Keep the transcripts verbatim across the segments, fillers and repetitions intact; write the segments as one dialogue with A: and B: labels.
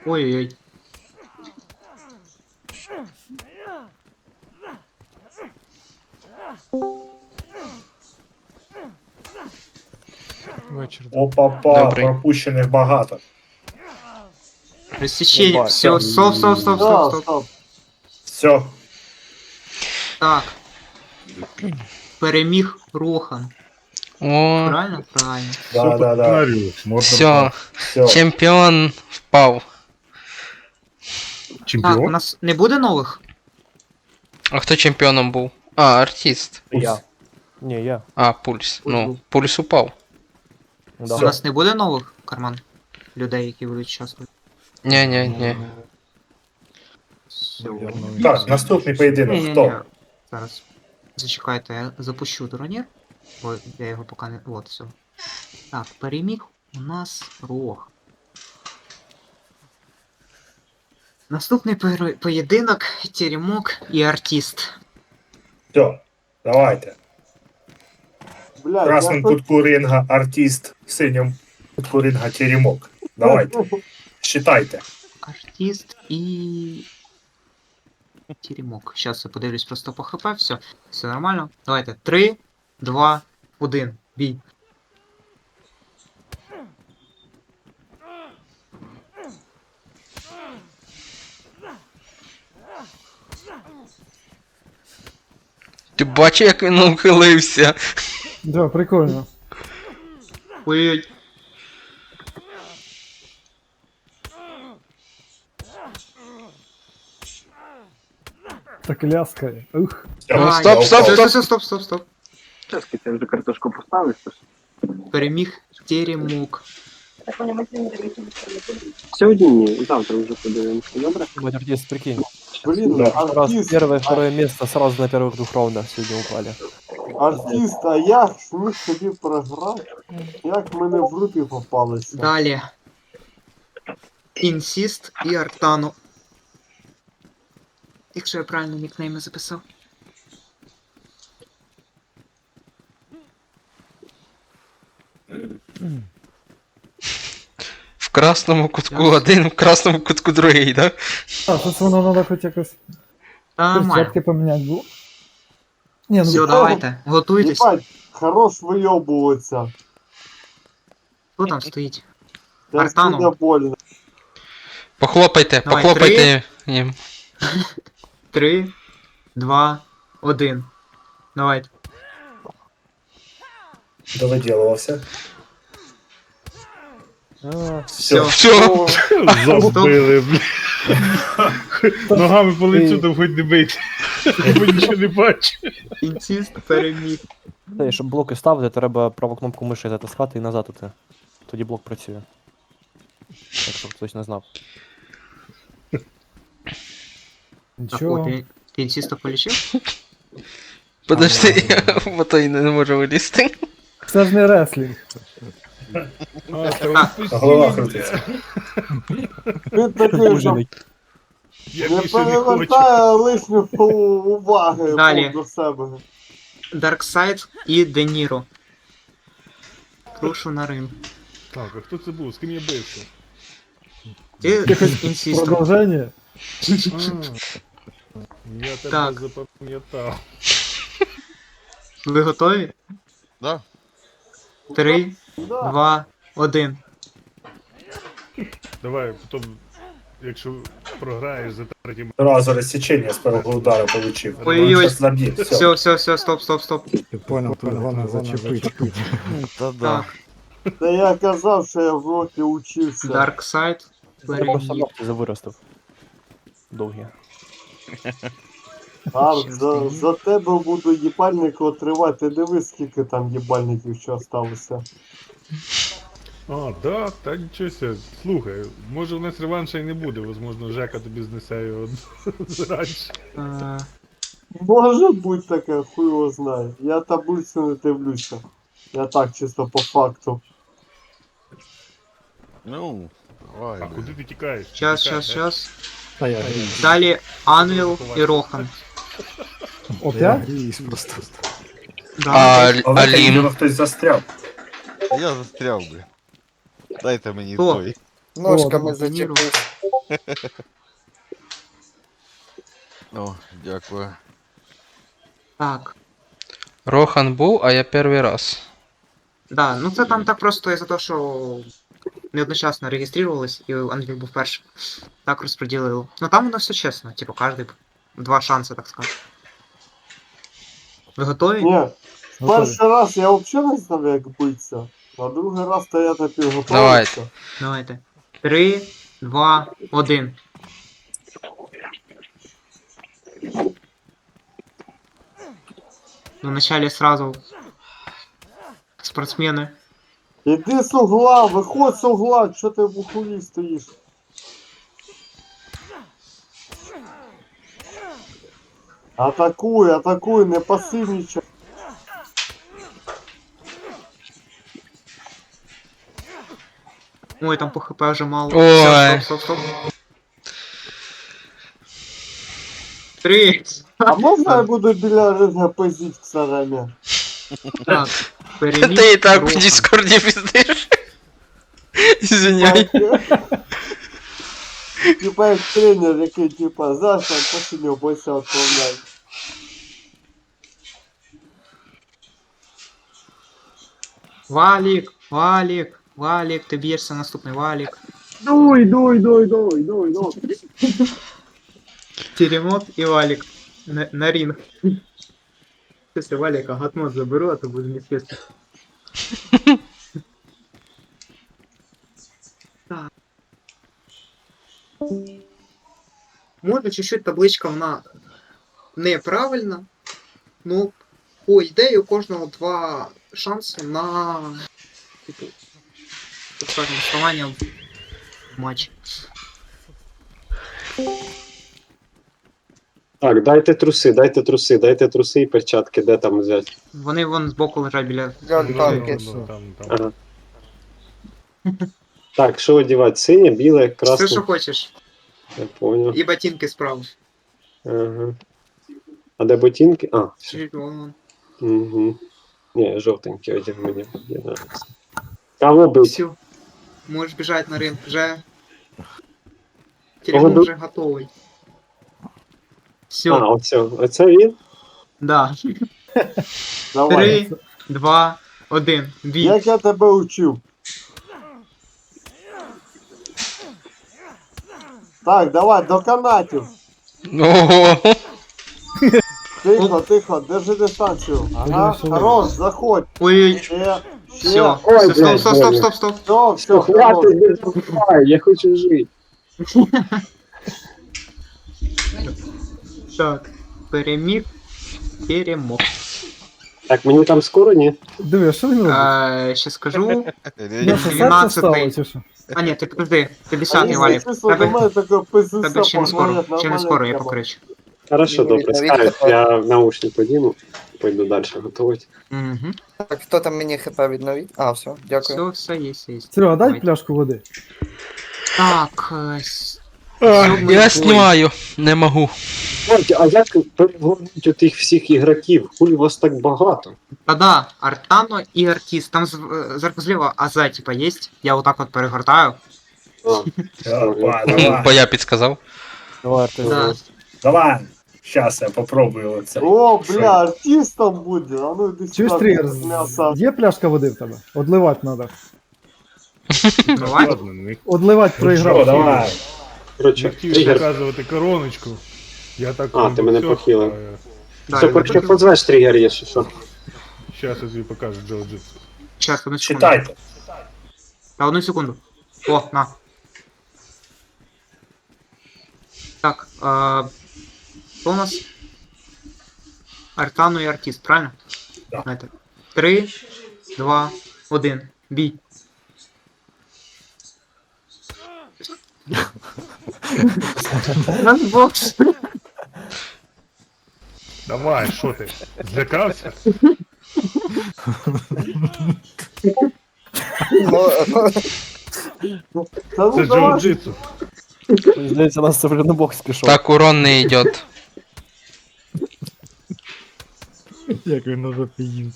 A: Ой-ой-ой.
B: Вечір.
C: Опа-па,
D: Добрий.
C: пропущених багато.
A: Розсічення.
E: Єбать.
A: Все, стоп, стоп, стоп, стоп,
E: Стоп,
A: стоп.
E: стоп.
C: Все,
A: Так. Переміг Рохан.
D: О,
A: Правильно? Правильно.
C: да, да, да.
D: все,
C: Все.
D: чемпіон впав.
A: Так, у нас не буде нових?
D: А хто чемпіоном був? А, артист.
E: Я. Ні, я.
D: А, пульс.
A: Ой,
D: Ну,
A: був.
D: пульс упав.
E: Да.
A: У
C: Всё.
A: нас не буде нових карман? Людей, які будуть участвувати.
D: Ні, ні, ні.
A: Все.
C: Так, наступний поєдинок.
A: Ні-ні-ні.
C: Хто?
A: Зараз. Зачекайте, я запущу турнір. Бо я його поки не. От, все. Так, переміг у нас Рог. Наступний пер- поєдинок Теремок і артист.
C: Все, давайте. В
E: Блядь,
C: красному
E: я хоч...
C: кутку ринга артист, в синьому кутку ринга теремок. Давайте, считайте.
A: Артист і. Теремок. Зараз я подивлюсь просто по хп, все. Все нормально. Давайте. три, два, один. Бій.
D: Ти бачив, як він ухилився?
B: Да, прикольно.
A: Ой-ой.
B: Так ляскає. Ух.
C: Все,
D: Ну,
A: А,
D: стоп,
C: я
D: стоп,
C: упав.
A: Стоп, стоп, стоп, стоп, стоп.
F: Сейчас я вже картошку поставив.
A: Переміг Теремок.
F: Сьогодні ні, завтра вже подивимося, добре?
E: Блядь, артист, прикинь.
G: Блин,
C: Да.
E: Раз
G: артист,
E: первое, второе место сразу на первых двух раундах сегодня упали.
G: артист, а як зміг собі програти? Як мене в руки попалося?
A: Далі. Інсіст і Артану. Якщо я правильно нікнейми записав.
D: В красному кутку
A: Yes.
D: один, в красному кутку другий, да?
B: А, тут воно треба хоч якось
A: Та нормально.
B: перчатки поміняти було. Ні, ну
A: Все, давайте. Готуйтесь.
G: Єбать, хорош вийобуватися.
A: Хто там стоїть?
G: Це
A: Артану.
G: буде больно.
D: Похлопайте,
A: Давай,
D: похлопайте їм.
A: Три, два, один. Давайте.
C: Довиділувався.
E: А,
C: Все.
D: Все,
G: О,
H: Забили, блін. Ногами по лицю там хоч не бити. Бо нічого не бачу.
A: Інсіст переміг.
E: Та, і щоб блоки ставити, треба праву кнопку миші затискати і назад іти. Тоді блок працює. Так, щоб хтось не знав.
A: Так, о,
B: нічого.
A: ти, ти інсіста полічив?
D: подожди, бо той не може вилізти.
B: Це ж не реслінг.
H: А, та
A: Так.
H: ви
C: Голова
H: постійно-
C: крутиться.
G: Він такий, що
H: Я
G: не
H: більше не хочу.
G: перевертає лишню уваги
A: Далі.
G: до себе.
A: Дарксайд і Деніро. Прошу на ринг.
H: Так, а хто це був? З ким я бився?
A: Ти з інсістом.
B: Продовження.
H: А, Я тебе
A: Так.
H: запам'ятав.
A: Ви готові?
I: Да.
A: Три,
G: Да.
A: два, один.
H: Давай, потім, якщо програєш за третім.
C: Разу розсічення з першого удару получив.
A: Ой-ой-ой.
C: Зараз заб'є, все.
A: Все, все, все, стоп, стоп, стоп.
B: Я понял, тут головне зачепити.
A: Так,
G: Та я казав, що я в роки учився.
A: Дарксайд
E: Я просто
A: переміг.
E: ногті завиростив. Довгі.
G: Арт, за, за тебе буду їбальник отривати. Дивись, скільки там їбальників ще осталося.
H: А, да, та нічого ся. Слухай, може в нас реванша і не буде, возможно, Жека тобі знесе його раніше.
A: Е,
G: Може бути таке, хуй його знає. Я таблицю не дивлюся. Я так чисто по факту.
I: Ну, давай.
H: А куди ти тікаєш?
A: Щас,
H: Тікай,
A: щас,
H: е?
A: щас.
B: Та я грію.
A: Далі Анвіл і Рохан.
B: Опять?
A: Да.
D: А
C: Але
D: Алім.
C: Алім. Хтось застряв.
I: Я застряв, блін. Дайте мені
A: Хто?
I: той.
B: Ножками
A: Деніро.
I: О, дякую.
A: Так.
D: Рохан був, а я перший раз.
A: Да, ну це там так просто із-за того, що не одночасно реєструвались, і Андрій був першим. Так розподілили. Ну там воно все чесно, типу, кожний два шанси, так сказати. Ви готові?
G: Ні,
B: Готові.
G: перший раз я взагалі не знав, як битися. А другий раз то я так підготувався.
D: Давайте.
A: Давайте. Три, два, один. Ну, вначале сразу спортсмены.
G: Іди з угла, виходь з угла, що ти в ухулі стоїш? Атакуй, атакуй, не пасивничай.
A: Ой, там по хп уже мало.
D: Ой.
A: Всё, стоп, стоп, стоп. Три.
G: А можна я буду біля ринга пиздіть в сарамі?
A: Так,
D: Ти
A: переміг
D: і так в
A: Рохан.
D: Дискорді піздиш. Извиняй.
G: Типа як тренер, який типа знаєш, там посильно бойся відправляй.
A: Валік, Валік, Валік, ти б'єшся наступний Валік.
F: Дуй, дуй, дуй, дуй, дуй, дуй.
A: Теремок і Валік. На, на ринг. Если Валика гатмот заберу, а то буду неизвестно. Так. Може чуть-чуть табличка вона неправильна. Ну, по ідеї у кожного два шанси на типу, так скажемо, вставання в матчі.
J: Так, дайте труси, дайте труси, дайте труси і перчатки, де там взяти.
A: Вони вон збоку лежать біля.
H: Ну,
B: танки.
H: ну, там, там.
J: Ага. Так, що одягати? Синє, біле,
A: Все,
J: красне.
A: що хочеш.
J: Я понял.
A: І ботинки справа.
J: Ага. А де ботинки? А, все.
A: Чуть вон, вон.
J: Угу. Ні, жовтенький одяг мені. Мені нравиться. Кого бить?
A: Все. Можеш біжати на ринг. Вже.
J: Кого
A: Телефон
J: бив?
A: вже готовий. Все.
J: А, оце, оце він?
A: Да.
G: Давай.
A: Три, два, один. Бій.
G: Як я тебе учив? Так, давай, до канатів.
D: Ого.
G: Тихо, тихо, держи дистанцію. Ага,
B: Ой,
G: хорош, заходь.
A: Ой-ой-ой.
G: Ще,
A: Все.
G: ще.
J: Ой,
A: Стоп,
J: блядь,
A: стоп, стоп,
J: больно.
A: стоп, стоп.
G: Все, все, хорош.
J: Хватить, не забувай, я хочу жити.
A: Так. Переміг. Перемог.
J: Так, мені там скоро, ні?
B: Диви, а що він робить?
A: А, ще скажу.
B: Я що, серце стало, чи що?
A: А, ні, ти подожди.
G: А
A: п'ятдесятий
G: якщо
A: валік.
G: чесно, до
A: Тебе,
G: мене таке
A: тебе
G: пиздуся
A: ще не скоро.
G: поговорять,
A: Ще не
G: нормальна
A: скоро, я
G: тема.
A: покричу.
J: Хорошо, добре,
K: Відновіть
J: скажеш,
K: тепер.
J: я наушник подіму, пойду далі готувати.
A: Угу.
K: Так, хто там мені хп відновить? А, все, дякую.
A: Все, все є, все є.
B: Серега, дай
A: Давайте.
B: пляшку води.
A: Так, е, с-
D: Ах,
A: Сьомий
D: Я
A: бой.
D: знімаю, не можу.
J: Ой, а як перегонуть отих всіх ігроків? Хулі вас так багато?
A: Та-да, Артано і Артіс. Там з- е, зверху зліва АЗ, типа, є. Я отак от перегортаю.
J: А,
C: Давай,
D: Бо
C: давай.
D: я підсказав.
E: Давай, ти
A: Да.
C: Давай. Щас я попробую це.
G: О, бля, артистом буде. А ну іди
B: Чуєш,
G: сюди,
B: тригер,
G: з м'яса.
B: є пляшка води в тебе? Одливати треба.
A: Давай.
H: Ладно, не,
B: Одливати
C: Ну що,
B: проіграв.
C: давай.
H: не
J: коротше,
H: хотів
J: тригер.
H: показувати короночку. Я так
J: А, ти мене похилив.
A: Да,
J: Все,
A: я
J: коротше,
A: бачу.
J: позвеш тригер, якщо що.
H: Зараз я тобі покажу джиу-джитсу.
A: Щас, одну секунду.
C: Читайте.
A: Та одну секунду. О, на. Так, а, кто у нас? Артану і артист, правильно?
C: Да.
A: Знаєте. Три, два, один. Бій. Бокс.
H: Давай, що ти? Злякався?
K: Ну,
G: Та
H: Це
G: ну давай.
H: джиу-джитсу.
E: Мені здається, у нас це вже на бокс пішов.
D: Так, урон не йде.
B: Як він уже поїв.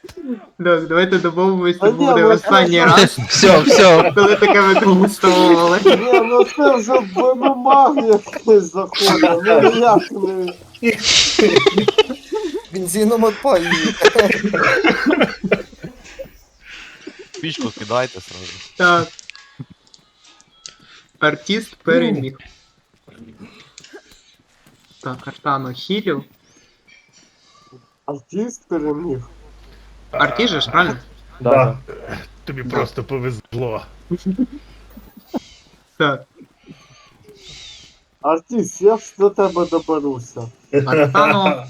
A: Так, давайте домовимося,
G: Та ні,
A: буде
G: ну,
A: останній
G: це-
A: раз,
D: Все, все.
A: коли таке використовували.
G: Ні, ну це вже в ем ем а якесь заходить, ну ніяк не...
K: Бензином отпаює.
I: Пічку кидайте сразу.
A: Так. Артист переміг. Так, Артану хілю.
G: Артист переміг.
A: Артист же ж, правильно?
C: Да.
H: Тобі просто повезло.
A: Так.
G: Артист, я ж до тебе доберуся.
A: Артану,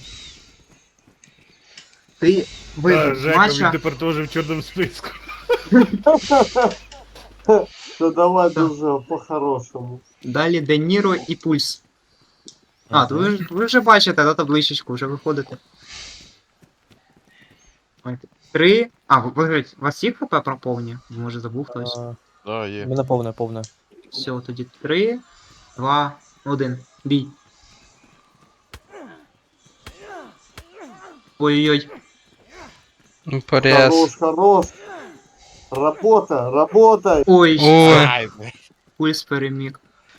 A: ти
H: Та,
A: виграв
H: Жека, він
A: матча.
H: тепер теж в чорному списку.
G: То давай
A: Так.
G: дуже по-хорошому.
A: Далі Де Ніро і Пульс. А, то ви, ж- ви вже бачите, да, табличечку, вже виходите. Ой, Три. А, ви виграють. У вас є хп проповні? Може забув хтось.
E: А,
I: Да, є.
E: Мене повне, повне.
A: Все, тоді три, два, один. Бій. Ой-ой-ой.
D: Порез.
G: Хорош, хорош. Работа, работай.
A: Ой,
D: Ой.
I: Ай,
A: Пульс переміг.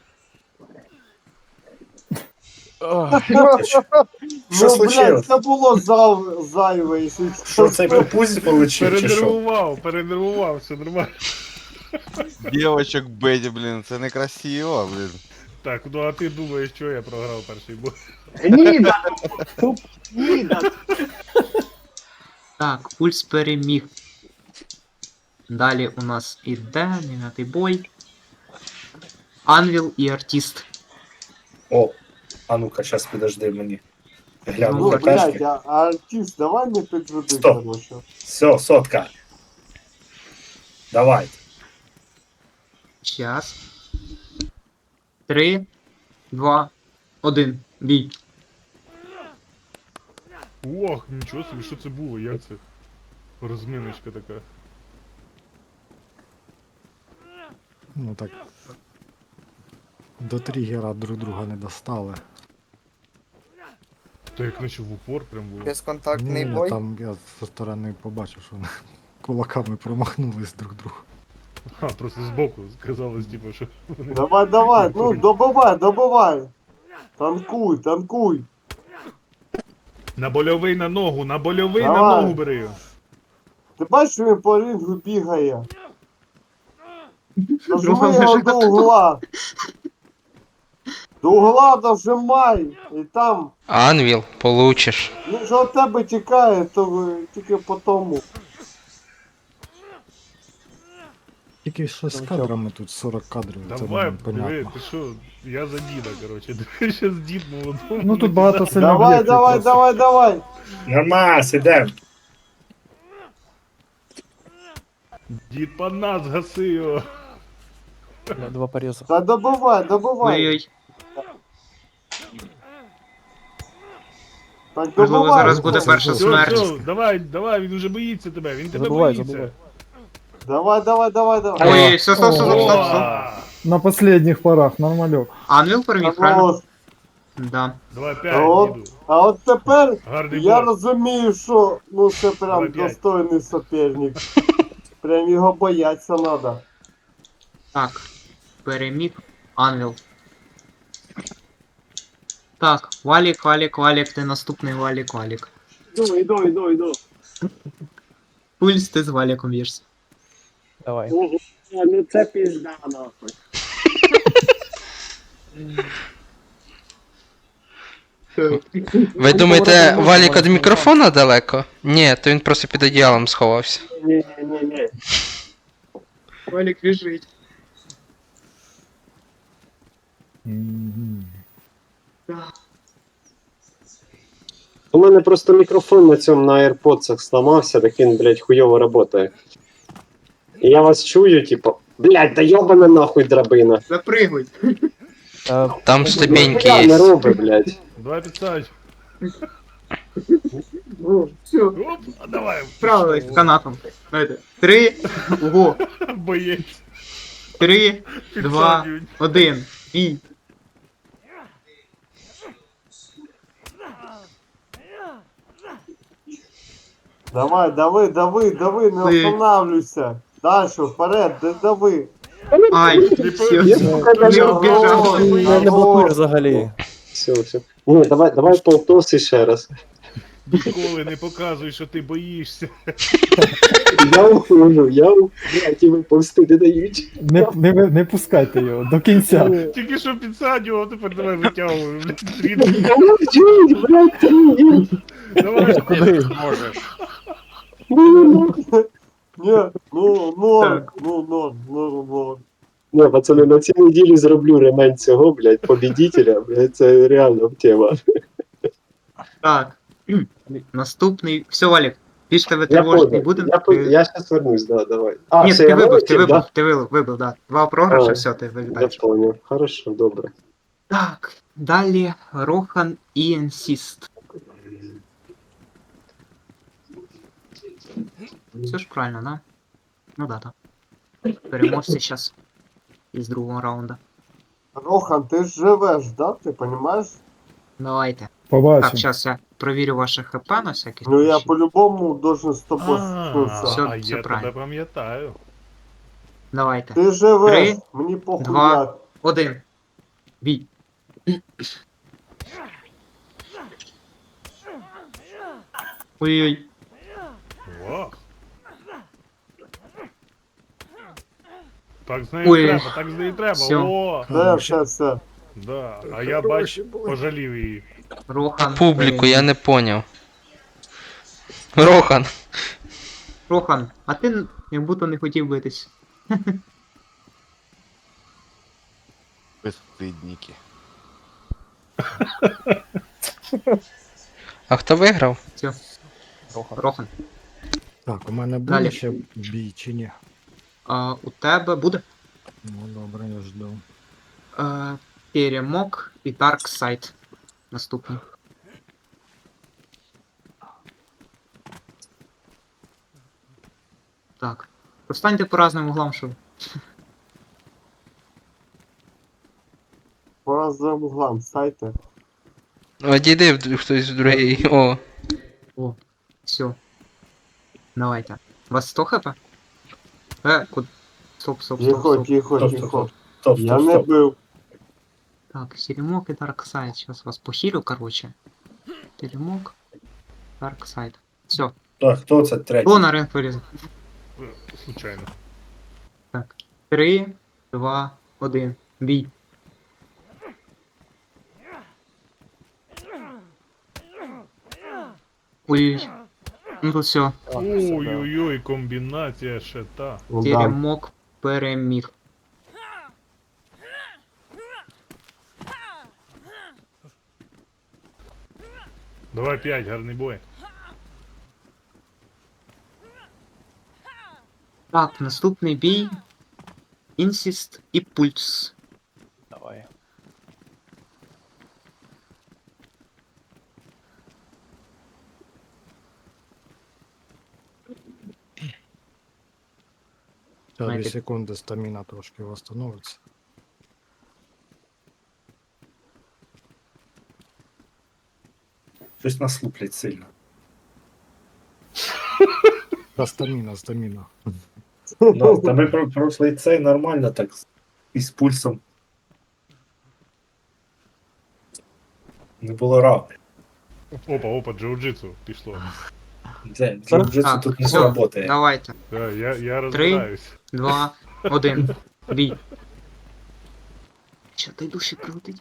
C: Що
G: Ну, блядь,
C: случилось?
G: це було зав... зайве, якщо
C: Що цей пропузь получив, чи що?
H: Перенервував, перенервував, все нормально.
I: Дівочок бить, блін, це некрасиво, блін.
H: Так, ну а ти думаєш, що я програв перший бой?
F: Гніда! Туп, гніда!
A: Так, Пульс переміг. Далі у нас іде дев'ятий бой. Анвіл і Артист.
C: О, а ну-ка, щас підожди мені. Гляну
G: Ну,
C: на
G: блядь,
C: тачки.
G: а, а артист, давай не підведи,
C: Стоп.
G: короче.
C: Все, сотка. Давай.
A: Час. Три, два, один. Бій.
H: Ох, нічого собі, що це було, як це? Розміночка така.
B: Ну так. До тригера друг друга не достали.
H: То як наче в упор прям було.
K: Безконтактний
B: Ні,
K: бой.
B: там я зі сторони побачив, що вони кулаками промахнулись друг другу.
H: А, просто збоку сказалось, типу, що вони...
G: Давай, давай, ну добивай, добивай. Танкуй, танкуй.
H: На больовий на ногу, на больовий на
G: Давай.
H: ногу бери його.
G: Ти бачиш, він по рингу бігає. Нажми
A: Головне,
G: його
A: що
G: до угла. До угла дожимай. І там,
D: Анвіл, получиш.
G: він же від тебе тікає, то ви тільки по тому.
B: Тільки що з кадрами тут сорок кадрів, це
H: Давай,
B: не
H: диви,
B: понятно.
H: ти що, я за діда, коротше. Диви, щас дід молодому.
B: Ну тут багато сильно
G: Давай,
B: об'єктів
G: давай,
B: просто.
G: давай, давай.
C: Нормас, ідем.
H: Дід по нас гаси його.
E: Бля, Два пореза.
G: Та добивай, добивай.
A: Ой-ой.
G: Так
A: Можливо,
G: добивай.
A: зараз буде перша
H: Все,
A: смерть.
H: все, давай, давай, він уже боїться тебе, він тебе
E: Забивай,
H: боїться.
E: забивай.
G: Давай, давай, давай, давай.
A: Ой, все, стоп, стоп, стоп, стоп, стоп.
H: О!
B: На последних порах, нормальок.
A: Анвіл переміг, правильно?
G: От.
A: Да.
H: Давай п'ять,
G: От.
H: діду.
G: А от тепер
H: Гарний
G: я
H: бой.
G: розумію, що ну це прям
H: Давай п'ять.
G: достойний суперник. Прям його бояться надо.
A: Так. Переміг Анвіл. Так, Валік, Валік, Валік, ти наступний Валік, Валік.
F: Іду, іду, іду, іду.
A: Пульс, ти з Валіком б'єшся.
E: Давай.
F: Ого, ну це пізда, нахуй.
D: Ви думаєте, Валік від мікрофона далеко? Ні, то він просто під одіялом сховався.
F: Ні, ні, ні, ні.
A: Валік біжить.
B: Мгм.
J: У мене просто мікрофон на цьому на AirPods зламався, так він, блядь, хуйово працює. І я вас чую, типу, блядь, да йобана нахуй драбина.
A: Запригуй.
E: Е,
D: Там ступеньки
J: Я не
D: є.
J: роби, блядь.
H: Давай підсадь.
A: О, все,
H: Оп, а давай.
A: справились з канатом. Давайте. Три, ого,
H: Боєць.
A: три, два,
H: Підсадюють.
A: один. Бій.
G: Давай, давай, давай, давай, не
A: Ой.
G: останавливайся. Дальше, вперед, да- давай.
A: Ай, все, не убежав.
E: Ти не, не блокуєш взагалі.
J: Все, все. Ні, давай, давай полтос і ще раз.
H: Ніколи не показуй, що ти боїшся.
J: Я ухожу, я у- блядь, і виповзти не дають.
B: Не, не, ви- не пускайте його до кінця.
H: Тільки що підсадював, тепер давай витягуй, блядь, стріт.
J: Блядь, блядь, блядь.
H: Давай,
E: Куди?
G: Не, ну, норм,
A: Так.
G: ну, норм, норм, норм.
J: Ні, пацани, на цій неділі зроблю ремень цього, блядь, побідителя, блядь, це реально тема.
A: Так. Наступний. Все, Валік, більш тебе
J: Я
A: тривожити не
J: понял,
A: будемо.
J: я, по- я щас вернусь, да, давай. А,
A: Ні,
J: все,
A: ти
J: я
A: вибив, ти
J: вилетів,
A: вибив,
J: да?
A: ти вибив, вибив, да. Два програші,
J: А,
A: все, ти
J: Я
A: вилітаєш.
J: понял, хорошо, добре.
A: Так, далі Рохан і Інсіст. Все ж правильно, да? Ну да, так. Переможці зараз із другого раунда.
G: Рохан, ти ж живеш, да? Ти понимаешь?
A: Давайте. Так,
B: Побачимо.
A: зараз я провірю ваше хп на всякий
G: Ну я
A: случай.
G: по-любому должен з тобою
H: А,
G: стикнутися.
A: Всё,
H: а
A: всё
H: я
A: правильно.
H: тебе пам'ятаю.
A: Давайте.
G: Ти живеш,
A: Три,
G: мені похуй
A: два.
G: як.
A: Один. Бій. Ой-ой.
H: Во. Так з нею
A: Ой.
H: треба, так з нею треба.
A: Всё.
H: О!
G: Все, все, все.
H: Да. А я бач, пожалів її.
A: Рохан.
D: Публіку, я
A: переміг.
D: не поняв. Рохан.
A: Рохан, а ти н- як будто не хотів битись.
I: Безстидники.
D: А хто виграв?
A: Все,
E: Рохан.
A: Рохан.
B: Так, у мене буде
A: Далі.
B: ще бій чи ні?
A: А, у тебе буде
B: Ну добре, я жду.
A: е, Перемог і Dark Side. Наступний. Так. Простаньте по разним углам, щоб.
G: По разным углам, стайте.
D: Одійди в- хтось в другий. О.
A: О, все. Давайте. У вас сто хп? Е, куди? Стоп, стоп, стоп,
G: Тихо,
A: стоп.
G: тихо,
C: Стоп,
G: тихо.
C: стоп, стоп,
G: Я
C: стоп,
G: не
C: стоп.
G: бив.
A: Так, Теремок и Dark Side. Сейчас вас похилю, короче. Теремок, Dark Side. Все.
C: Так, хто це третій?
A: Кто на ринг вылезет?
H: Е, Случайно.
A: Так. Три, два, один. Бій. Ой. Ну тут все.
H: Ой-ой-ой, комбінація ще та.
G: Ну, да.
A: Теремок переміг.
H: Давай п'ять, гарний бой.
A: Так, наступний бій. Інсіст і Пульс.
E: Давай.
B: Та дві
A: Знаєте-
B: секунди стаміна трошки восстановиться.
C: Щось нас луплять сильно.
B: Та стаміна, стаміна.
C: Ну, та ми про прошлий цей нормально так з- із пульсом. Не було раунд.
H: Опа, опа, джиу-джитсу пішло.
C: Де, джиу-джитсу
A: Так,
C: тут не
A: все,
C: сработає.
A: давайте.
H: Да, я, я розбираюсь.
A: Два, один. Бій. Що той душі прилетить?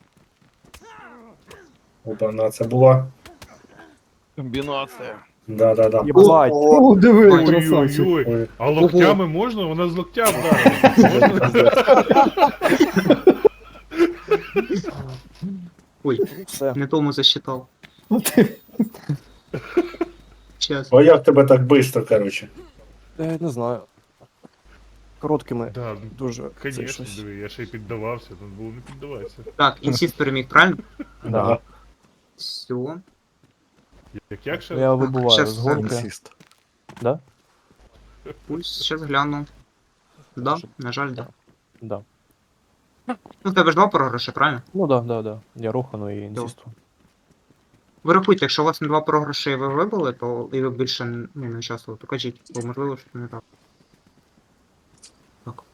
C: Опа, на це була.
I: Комбінація.
C: Да-да-да.
E: Єбать.
B: О, диви, красавчик.
H: Ой-ой-ой.
C: Ой,
H: А локтями можна? Вона з локтя вдарила. Можна?
A: Ой,
E: Все.
A: не тому засчитав. Сейчас.
C: А як тебе так швидко, коротше?
E: Я не знаю. Короткими.
H: Да,
E: Дуже. це
H: Конечно,
E: щось.
H: диви, я ще й піддавався, тут було не піддаватися.
A: Так, інсіст переміг, правильно?
E: Да.
C: Ага.
A: Все.
H: Як як ще?
E: Я вибуваю
A: щас
E: з гонки.
B: Інсіст.
E: Да?
A: Пульс, сейчас гляну. Да, на жаль, да.
E: Да.
A: Ну, в тебе ж два програші, правильно?
E: Ну да, да, да. Я Рохану і інсісту.
A: врахуйте, якщо у вас на два програші ви вибили, то і ви більше ну, не участвували, то кажіть, бо можливо, що не так. Так.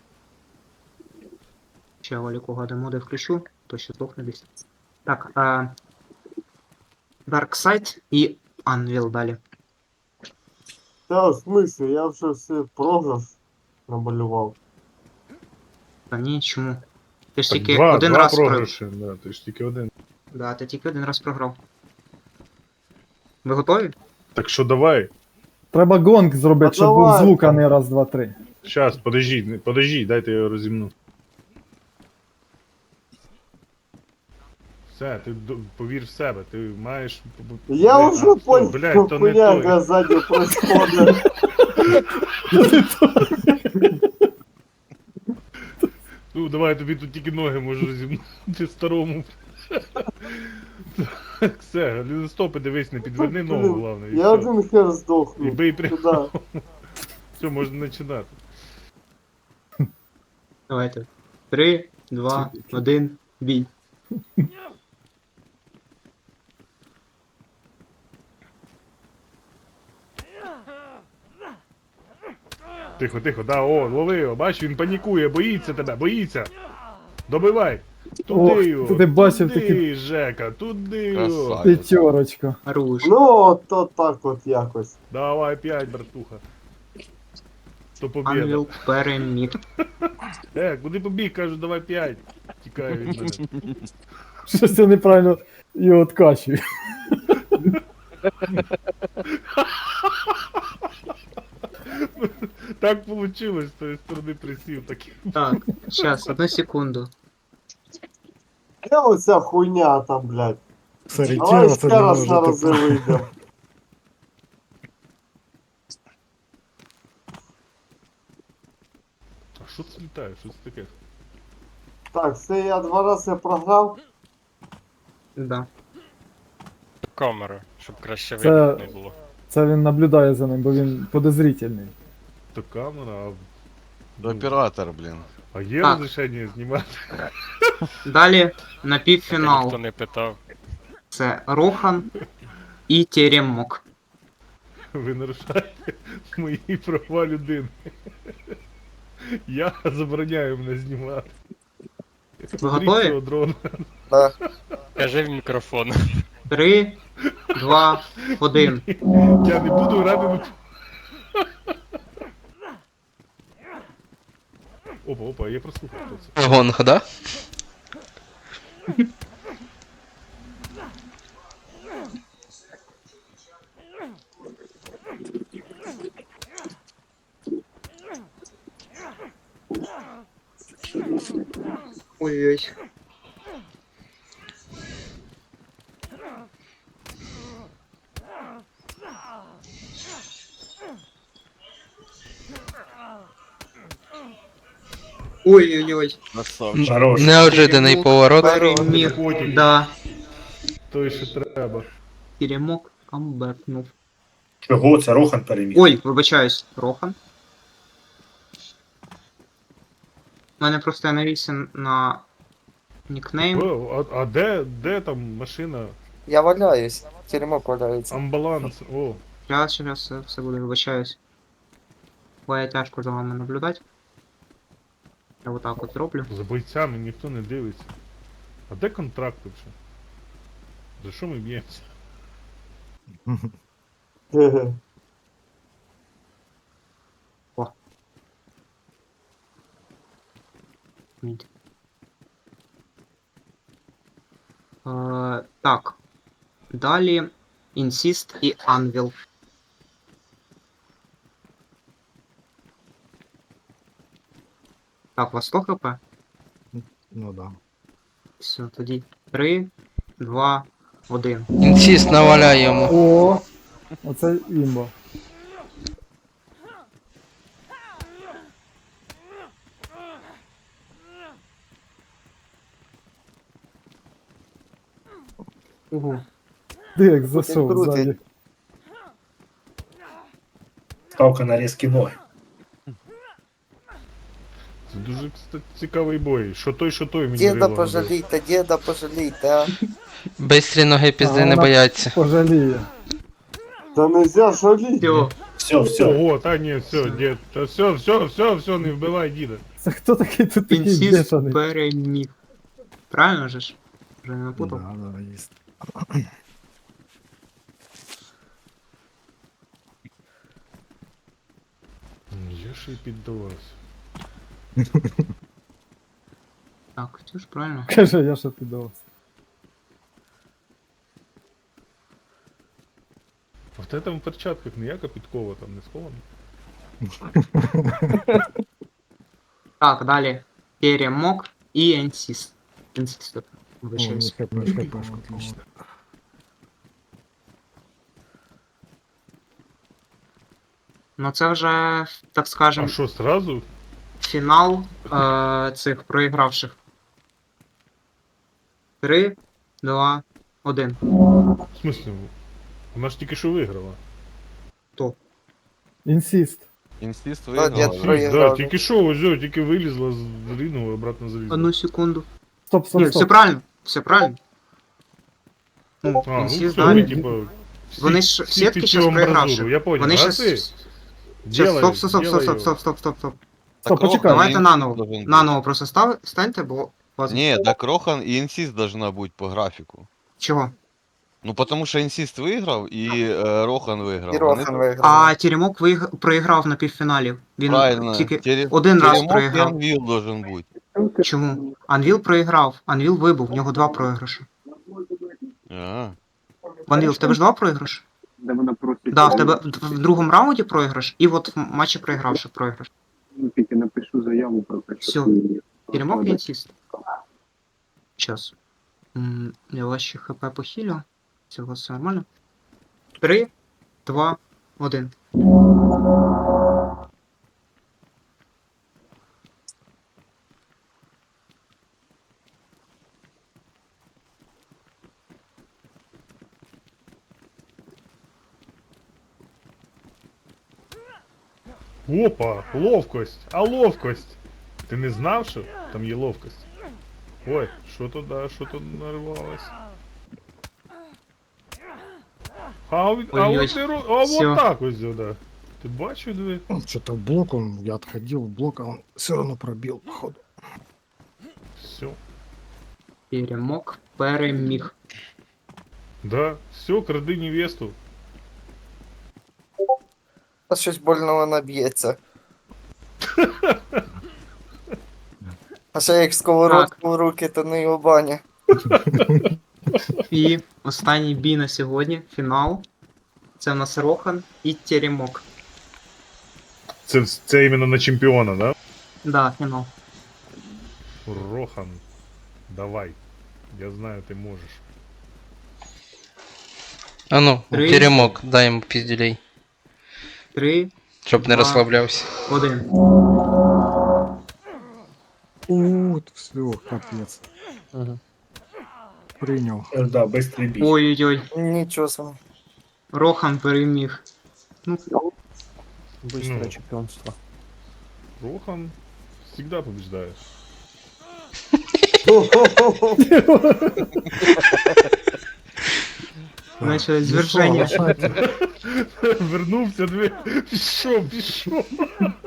A: Ще Валіку гадемоди включу, то ще здохне десь. Так, а... Darkseid і Anvil далі.
G: Та в смысле, я вже все програш намалював.
A: Та ні, чому? Ти ж
H: Так,
A: тільки
H: два,
A: один
H: два
A: раз програв.
H: програші, да, ти ж тільки один.
A: Да, ти тільки один раз програв. Ви готові?
H: Так що давай.
L: Треба гонг зробити,
G: А
L: щоб був
G: давай,
L: звук, а
G: там.
L: не раз, два, три.
H: Щас, подожди, не- подожди, дайте я його розімну. Все, ти д- повір в себе, ти маєш.
G: Я
H: Блядь,
G: уже
H: а,
G: понял,
H: блядь,
G: что
H: то не
G: хуйня
H: той.
G: сзади происходит.
H: Ну, давай я тобі тут тільки ноги можу розімнути старому. Так, все, ліностопи дивись, не підверни ногу, головне. І
G: Я
H: все.
G: один хер
H: І
G: сдохну.
H: бий прямо.
G: Куда?
H: Все, можна починати.
A: Давайте. Три, два, один, бій.
H: Тихо, тихо, да, о, лови його, бачиш, він панікує, боїться тебе, боїться. Добивай. Туди
L: Ох,
H: його.
L: ти бачив
H: туди,
L: такі-
H: Жека, туди його.
I: Красавець.
L: П'ятерочка.
A: Руш.
G: Ну, то так от якось.
H: Давай п'ять, братуха. То побіда.
A: Анвіл переміг.
H: Е, куди побіг, кажу, давай п'ять. Тікає від мене.
L: Щось я неправильно його откачую.
H: Так получилось, з тої сторони присів, так.
A: Так, щас, одну секунду.
G: Я оця хуйня там, блядь. Давай
B: Сорітіра
G: ще
B: це не
G: раз на
B: може
G: рази
B: тепер.
G: вийдемо.
H: А що це літає? Що це таке?
G: Так, все, я два рази програв.
A: Да.
M: Камеру, щоб краще
L: Це-
M: видно не було.
L: Це він наблюдає за ним, бо він подозрительний.
H: То камера, а...
I: Ну, Оператор, блін.
H: А є
A: Так.
H: розрішення знімати?
A: Далі на
M: Ніхто
A: півфінал.
M: не питав.
A: Це Рохан і Теремок.
H: Ви нарушаєте мої права людини. Я забороняю мене знімати.
A: Ви готові?
H: Цього дрона.
K: Да.
M: Кажи в мікрофон.
A: Три, два, один.
H: Я не буду грати на... Опа, опа, я прослухав, хто це.
D: Гонг, да?
A: Ой-ой. Ой-ой-ой.
I: Красавчик.
C: Хорош.
D: Неожиданий поворот.
A: Переміг.
H: Котик.
A: Да.
H: Той, що треба.
A: Теремок камбекнув.
C: Чого це Рохан переміг?
A: Ой, вибачаюсь, Рохан. У мене просто я навівся на нікнейм.
H: О, а, а де, де там машина?
K: Я валяюсь. Теремок валяється.
H: Амбаланс. О,
A: Зараз, зараз все, все буде, вибачаюсь. Буває тяжко за вами наблюдати. Я отак от зроблю.
H: за бойцями ніхто не дивиться. А де контракт вообще? За що ми б'ємося?
G: Хе-хе.
A: Мід. Е, так. Далі Insist і Anvil. Так, у вас сто хп?
B: Ну да.
A: Все, тоді. Три, два, один.
D: Інсіст наваляє йому.
L: О, оце імба.
A: Угу.
L: Ти як засов
K: крутить.
L: ззаді.
C: Ставка на різкі ноги.
H: Це дуже кстати, цікавий бой. Що той, що той мені
K: Діда
H: рило набив.
K: пожалійте, діда пожалійте, а.
D: Бистрі ноги пізди
L: А
D: не
L: вона
D: бояться.
L: Пожаліє.
G: Да нельзя жалеть.
A: Все,
C: Все, все.
H: Ого, та ні, все, дід, та все, все, все, все, не вбивай діда.
L: Це хто такий тут такий
A: інсіст
L: бешений?
A: переміг. Правильно же ж? Вже не напутав?
B: Да, да, есть.
H: Я ще й піддавався.
A: Так, все ж правильно.
L: Каже, я ще піддавався.
H: А в тебе там в перчатках ніяка підкова там не схована?
A: Так, далі. Теремок і інсіст. Інсіст.
B: О,
A: Вибачаюсь.
B: хп, хп, отлично.
A: Ну це вже, так скажем,
H: А що, сразу?
A: фінал е- цих проігравших. Три, два, один.
H: В смысле? Вона ж тільки що виграла.
L: Інсіст.
I: Інстіст
K: А,
I: виграв.
K: дід
H: А,
I: але-
H: всі,
K: проіграв.
H: да, тільки що, ось, о, тільки вилізла з ринув і обратно залізла.
A: Одну секунду.
L: Стоп, стоп,
A: Ні, все
L: стоп.
A: правильно, все правильно. Ну,
H: А, ну
A: інсіст
H: все,
A: далі.
H: типа, всі-
A: Вони ж
H: всі
A: сітки
H: під
A: щас
H: цю амбразуру,
A: проігравши.
H: Я понял.
A: Вони
H: а
A: щас...
H: ти?
A: Щас,
H: Делай,
A: стоп, стоп, стоп,
H: делай
A: стоп,
H: його.
A: стоп, стоп, стоп, стоп.
L: Стоп,
I: Так
L: почекай.
I: Рохан
A: Давайте
I: і
A: наново.
I: Інсіст должен бути.
A: Наново просто став, станьте, бо вас...
I: Ні, так Рохан і Інсіст должна бути по графіку.
A: Чого?
I: Ну, потому що Інсіст виграв і е, Рохан виграв.
K: І
I: Вони-
K: Рохан виграв.
A: А Теремок виг... проіграв на півфіналі. Він
I: Правильно.
A: тільки
I: Тері-
A: один раз
I: Теремок і
A: проіграв.
I: Анвіл должен бути.
A: Чому? Анвіл проіграв. Анвіл вибув, в нього два програші.
I: А.
A: Анвіл, в тебе ж два програші?
F: Де вона просить.
A: Да, в тебе в в другому раунді програш, і от в матчі проігравши програш.
F: Ну, тільки напишу заяву про те, що...
A: Всё.
F: ти-
A: Теремок і інсіст. Щас. М, Я вас ще хп похилю. Цього все нормально. Три, два, один.
H: Опа, ловкость, а ловкость. Ти не знав, що там є ловкость? Ой, що тут, да, що тут нарвалось? А, от- а
A: Ой-ой.
H: от, і ро- а
A: Всё.
H: от так ось, да. Ти бачив, диви?
B: Что-то в блок он, я отходил в блок, а он все равно пробил, походу.
H: Все.
A: Теремок переміг.
H: Да, все, кради невесту.
K: А щось больно вона б'ється. А ще як сковородку в руки, то не його баня.
A: І останній бій на сьогодні, фінал. Це в нас Рохан і Теремок.
H: Це, це іменно на чемпіона, да?
A: Да, фінал.
H: Рохан, давай. Я знаю, ти можеш.
D: А ну,
A: Три.
D: Теремок, дай йому піздюлей,
A: Три,
D: щоб не
A: Два.
D: розслаблявся.
A: один.
B: У, все, капец.
E: Угу.
B: Принял.
C: Е, Да, бистрий бій.
A: Ой-ой-ой.
K: Нічого собі.
A: Рохан переміг. Ну,
E: Быстрое
H: Ну.
E: чемпіонство.
H: Рохан всегда побеждает.
A: начали
B: Ну
A: зверження.
B: что, лошадки?
H: Вернувся, диви. Пішов, пішов.